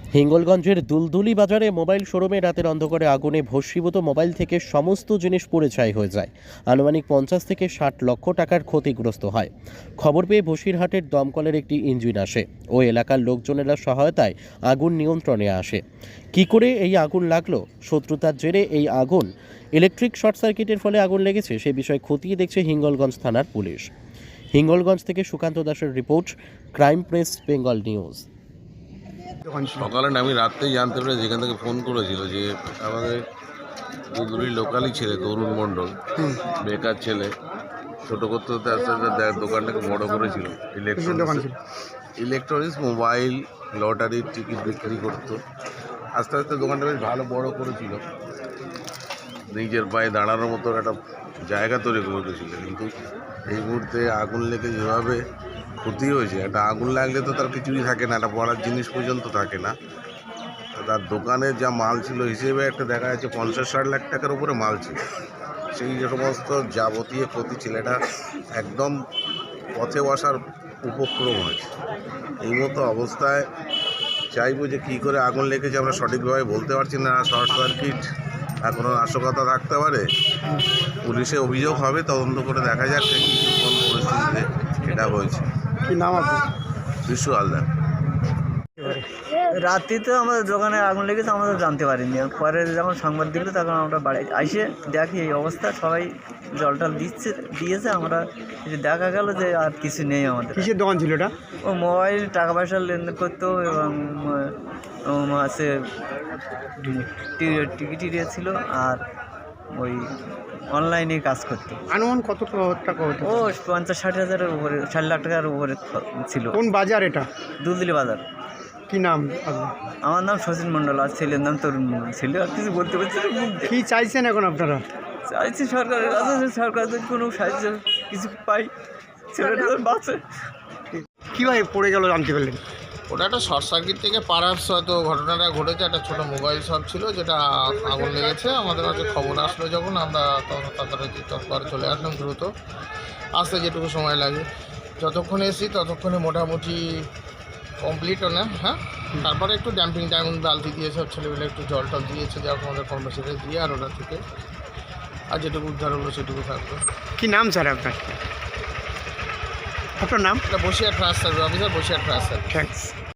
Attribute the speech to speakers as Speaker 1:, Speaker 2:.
Speaker 1: হিঙ্গলগঞ্জের দুলদুলি বাজারে মোবাইল শোরুমে রাতের অন্ধকারে আগুনে ভস্মীভূত মোবাইল থেকে সমস্ত জিনিস পুড়ে ছাই হয়ে যায়। আনুমানিক 50 থেকে 60 লক্ষ টাকার ক্ষতিগ্রস্ত হয়। খবর পেয়ে বসিরহাটের দমকলের একটি ইঞ্জিন আসে ও এলাকার লোকজনেরা সহায়তায় আগুন নিয়ন্ত্রণে আসে। কি করে এই আগুন লাগলো, শত্রুতার জেরে এই আগুন, ইলেকট্রিক শর্ট সার্কিটের ফলে আগুন লেগেছে, সে বিষয়ে খতিয়ে দেখছে হিঙ্গলগঞ্জ থানার পুলিশ। হিঙ্গলগঞ্জ থেকে সুকান্ত দাসের report, crime press Bengal news.
Speaker 2: সকালে আমি রাত্রেই জানতে পেরে যেখান থেকে ফোন করেছিল যে আমাদের দুলদুলির লোকালই ছেলে তরুণ মণ্ডল, বেকার ছেলে, ছোটো করতে করতে আস্তে আস্তে দোকানটাকে বড় করেছিল। ইলেকট্রনিক্স, মোবাইল, লটারির টিকিট বিক্রি করতো। আস্তে আস্তে দোকানটা বেশ ভালো বড় করেছিল, নিজের পায়ে দাঁড়ানোর মতো একটা জায়গা তৈরি করে দিয়েছিল। কিন্তু এই মুহূর্তে আগুন লেগে যেভাবে ক্ষতি হয়েছে, একটা আগুন লাগলে তো তার কিছুই থাকে না, একটা পড়ার জিনিস পর্যন্ত থাকে না। তার দোকানে যা মাল ছিল হিসেবে একটা দেখা যাচ্ছে 50-60 লাখ টাকার উপরে মাল ছিল। সেই সমস্ত যাবতীয় ক্ষতি, ছেলেটা একদম পথে বসার উপক্রম হয়েছে। এই মতো অবস্থায় চাইবো যে কী করে আগুন লেগেছে আমরা সঠিকভাবে বলতে পারছি না। শর্ট সার্কিট আর কোনো নাশকতা থাকতে পারে, পুলিশে অভিযোগ হবে, তদন্ত করে দেখা যাচ্ছে কোন পরিস্থিতিতে এটা হয়েছে।
Speaker 3: কি নাম আপনার?
Speaker 2: বিশ্ব হালদার।
Speaker 4: রাত্রিতে আমাদের দোকানে আগুন লেগেছে, আমরা জানতে পারিনি। পরে যখন সংবাদ দিল তখন আমরা বাড়ি এসে দেখি এই অবস্থা, সবাই জল টল দিয়েছে। আমরা দেখা গেল যে আর কিছু নেই আমাদের।
Speaker 3: কিসের দোকান ছিল এটা?
Speaker 4: ও মোবাইল, টাকা পয়সা লেনদেন করতো এবং আছে টিকিট ছিল আর ওই অনলাইনে কাজ করতো।
Speaker 3: আনুমান কত টাকা হতো?
Speaker 4: ও 50-60 হাজারের উপরে, 60 লাখ টাকার উপরে ছিল।
Speaker 3: কোন বাজার এটা?
Speaker 4: দুলদুলি বাজার।
Speaker 3: কি নাম আপনার?
Speaker 4: আমার নাম শচীন মণ্ডল, আর ছেলের নাম তরুণ মণ্ডল। ছেলে আর কিছু বলতে পারছি না।
Speaker 3: কি চাইছেন এখন আপনারা?
Speaker 4: চাইছি সরকারের কাছে, সরকার যদি কোনো সাহায্য কিছু পাই, ছেলেটা বাঁচে।
Speaker 3: কীভাবে পড়ে গেল জানতে পারলেন?
Speaker 5: ওটা একটা শর্ট সার্কিট থেকে পারাপস হয়তো ঘটনাটা ঘটেছে। একটা ছোটো মোবাইল শপ ছিল যেটা আগুন লেগেছে। আমাদের কাছে খবর আসলো যখন, আমরা তখন তাড়াতাড়ি তৎপর চলে আসলাম দ্রুত। আসতে যেটুকু সময় লাগে, যতক্ষণে এসি ততক্ষণে মোটামুটি কমপ্লিটও না। হ্যাঁ, তারপরে একটু ড্যাম্পিং বালতি দিয়ে সব ছেলেমেলে একটু জল টল দিয়েছে, যা আমাদের কর্মচারী দিয়ে, আর ওটা থেকে আর যেটুকু উদ্ধার হলো সেটুকু থাকবে।
Speaker 3: কি নাম স্যার আপনার? আপনার নাম?
Speaker 5: এটা Basirhat fire service officer, Basirhat fire service.
Speaker 3: Thanks.